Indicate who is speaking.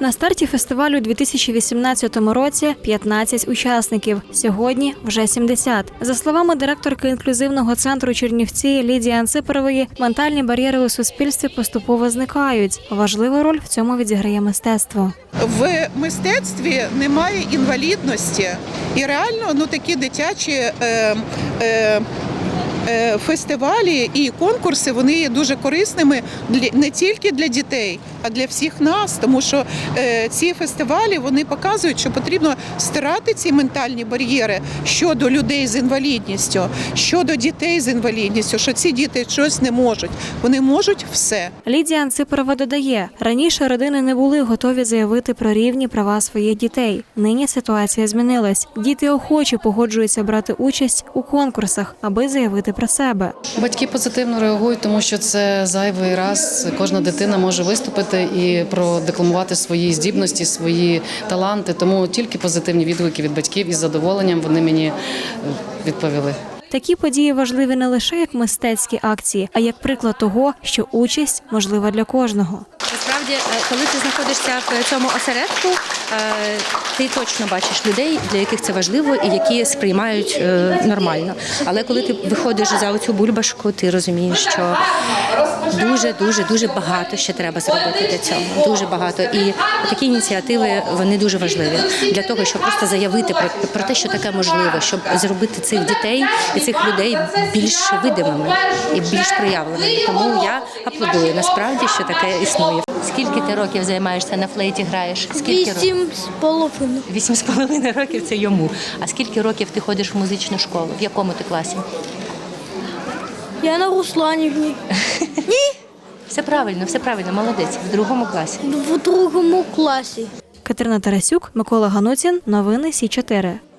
Speaker 1: На старті фестивалю у 2018 році 15 учасників. Сьогодні вже 70. За словами директорки інклюзивного центру Чернівці Лідії Анципорової, ментальні бар'єри у суспільстві поступово зникають. Важливу роль в цьому відіграє мистецтво.
Speaker 2: В мистецтві немає інвалідності. І реально такі дитячі фестивалі і конкурси, вони є дуже корисними не тільки для дітей, а для всіх нас, тому що ці фестивалі, вони показують, що потрібно стирати ці ментальні бар'єри щодо людей з інвалідністю, щодо дітей з інвалідністю, що ці діти щось не можуть. Вони можуть все.
Speaker 1: Лідія Анципорова додає, раніше родини не були готові заявити про рівні права своїх дітей. Нині ситуація змінилась. Діти охоче погоджуються брати участь у конкурсах, аби заявити про себе.
Speaker 3: Батьки позитивно реагують, тому що це зайвий раз. Кожна дитина може виступити і продекламувати свої здібності, свої таланти. Тому тільки позитивні відгуки від батьків із задоволенням вони мені відповіли.
Speaker 1: Такі події важливі не лише як мистецькі акції, а як приклад того, що участь можлива для кожного.
Speaker 4: Насправді, коли ти знаходишся в цьому осередку, ти точно бачиш людей, для яких це важливо і які сприймають нормально. Але коли ти виходиш за оцю бульбашку, ти розумієш, що дуже багато ще треба зробити для цього. Дуже багато. І такі ініціативи, вони дуже важливі для того, щоб просто заявити про те, що таке можливо, щоб зробити цих дітей і цих людей більш видимими і більш проявленими. Тому я аплодую насправді, що таке існує. Скільки ти років займаєшся на флейті, граєш?
Speaker 5: 8,5.
Speaker 4: 8,5 років – це йому. А скільки років ти ходиш в музичну школу? В якому ти класі?
Speaker 5: Я на Русланівні.
Speaker 4: Все правильно, молодець. В другому класі.
Speaker 5: В другому класі.
Speaker 1: Катерина Тарасюк, Микола Ганутін. Новини Сі 4.